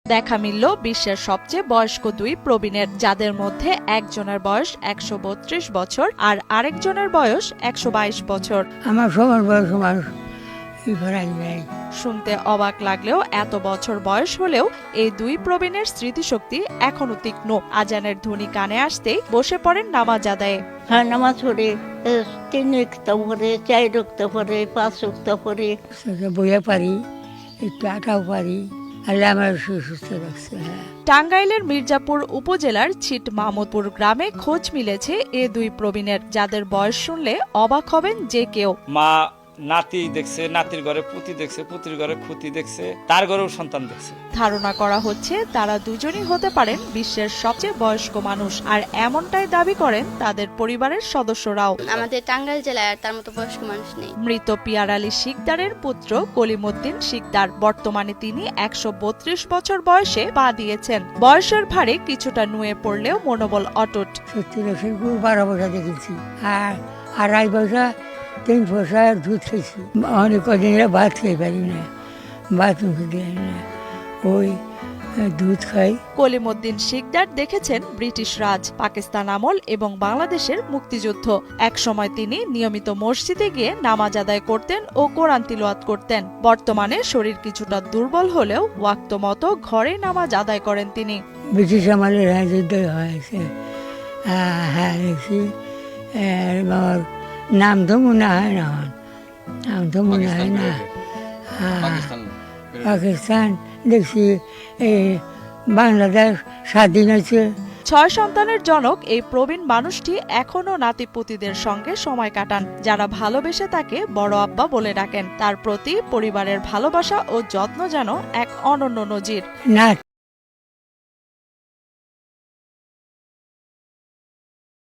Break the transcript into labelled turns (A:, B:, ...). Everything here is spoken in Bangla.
A: দেখা মিলল বিশ্বের সবচেয়ে বয়স্ক দুই প্রবীণের, যাদের মধ্যে একজনের বয়স ১৩২ বছর আর আরেকজনের বয়স ১২২ বছর।
B: আমার সবার বয়স মানুষ নাই।
A: শুনতে অবাক লাগলেও এত বছর বয়স হলেও এই দুই প্রবীণের স্মৃতিশক্তি এখনো তীক্ষ্ণ। আজানের ধ্বনি কানে আসতেই বসে পড়েন নামাজ আদায়ে।
C: হ্যাঁ, নামাজ পড়ে ৩ ওয়াক্ত পড়ে, ৪ ওয়াক্ত পড়ে, ৫ ওয়াক্ত পড়ে।
B: বইয়া পারি, একটু আটাও পারি। আল্লাহ আমার সুস্থ রাখছে।
A: টাঙ্গাইলের মির্জাপুর উপজেলার ছিট মাহমুদপুর গ্রামে খোঁজ মিলেছে এ দুই প্রবীণের, যাদের বয়স শুনলে অবাক হবেন যে কেউ।
D: মা নাতি দেখছে, নাতির ঘরে পুতি দেখছে, পুতির ঘরে খুতি দেখছে, তার ঘরেও সন্তান দেখছে।
A: ধারণা করা হচ্ছে তারা দুজনই হতে পারেন বিশ্বের সবচেয়ে বয়স্ক মানুষ, আর এমনটাই দাবি করেন তাদের পরিবারের সদস্যরাও।
E: আমাদের টাঙ্গাইল জেলায় আর তার মতো বয়স্ক মানুষ নেই।
A: মৃত পিয়ার আলী শিকদারের পুত্র কলিমুদ্দিন শিকদার, বর্তমানে তিনি ১৩২ বছর বয়সে পা দিয়েছেন। বয়সের ভারে কিছুটা নুয়ে পড়লেও মনোবল অটুট।
B: ১২ পয়সা দেখেছি, আর ২.৫ পয়সা ৩ পয়সার দুধ খেয়েছি। অনেক কদিন ভাত খেয়ে পারি না, ভাত মুখে দেয় না, ওই দুধ খাই।
A: কলিমুদ্দিন শিকদার দেখেছেন ব্রিটিশ রাজ, পাকিস্তান আমল এবং বাংলাদেশের মুক্তিযুদ্ধ। একসময় তিনি নিয়মিত মসজিদে গিয়ে নামাজ আদায় করতেন ও কোরআন তিলাওয়াত করতেন। বর্তমানে শরীর কিছুটা দুর্বল হলেও ওয়াক্ত মতো ঘরে নামাজ আদায় করেন তিনি।
B: ব্রিটিশ আমলের যুদ্ধ হয়েছে, হ্যাঁ দেখছি। আমার নাম তো মনে হয় না, নাম তো মনে হয় না। পাকিস্তান দেখছি, এই বাংলাদেশ স্বাধীন হয়েছে।
A: ৬ সন্তানের জনক এই প্রবীণ মানুষটি এখনো নাতিপুতিদের সঙ্গে সময় কাটান, যারা ভালোবেসে তাকে বড় আব্বা বলে ডাকেন। তার প্রতি পরিবারের ভালোবাসা ও যত্ন যেন এক অনন্য নজির।
B: না